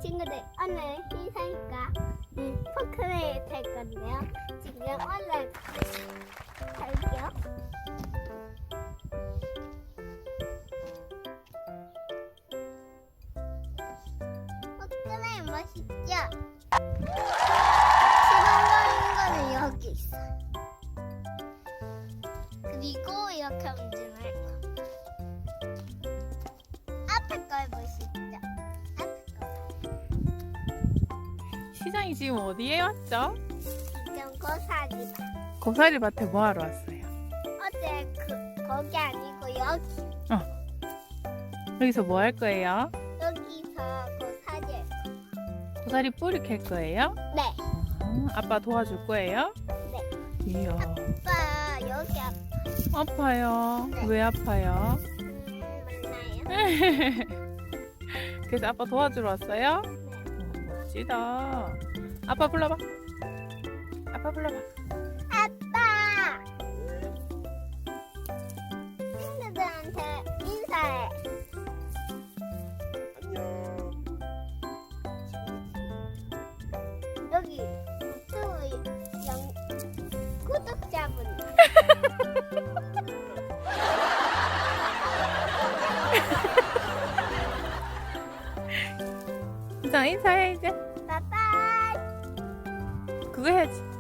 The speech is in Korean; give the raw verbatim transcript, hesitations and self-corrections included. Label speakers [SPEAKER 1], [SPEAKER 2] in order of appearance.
[SPEAKER 1] 친구들, 오늘 희사이가 음, 포크레인 탈 건데요. 지금 올라갈게요. 포크레인 멋있죠? 시동거리는 거는 여기 있어요. 그리고 이렇게 움직여요. 앞에 걸 보시죠. 앞에 거.
[SPEAKER 2] 시장이 지금 어디에 왔죠?
[SPEAKER 1] 지금 고사리.
[SPEAKER 2] 고사리밭에 뭐 하러 왔어요?
[SPEAKER 1] 어제 그 거기 아니고 여기.
[SPEAKER 2] 여기서 뭐 할 거예요?
[SPEAKER 1] 여기서 고사리.
[SPEAKER 2] 고사리 뿌리 캘 거예요?
[SPEAKER 1] 네.
[SPEAKER 2] 아, 아빠 도와줄 거예요?
[SPEAKER 1] 네.
[SPEAKER 2] 이야,
[SPEAKER 1] 아빠 여기 앞.
[SPEAKER 2] 아파요.
[SPEAKER 1] 네.
[SPEAKER 2] 왜 아파요?
[SPEAKER 1] 음, 맞나요?
[SPEAKER 2] 그래서 아빠 도와주러 왔어요?
[SPEAKER 1] 네.
[SPEAKER 2] 오, 멋지다. 아빠 불러봐. 아빠 불러봐.
[SPEAKER 1] 아빠. 친구들한테 인사해.
[SPEAKER 3] 안녕.
[SPEAKER 1] 여기 유튜브 영 구독자분.
[SPEAKER 2] 자, 인사해 이제.
[SPEAKER 1] 빠빠이.
[SPEAKER 2] 그거 해야지.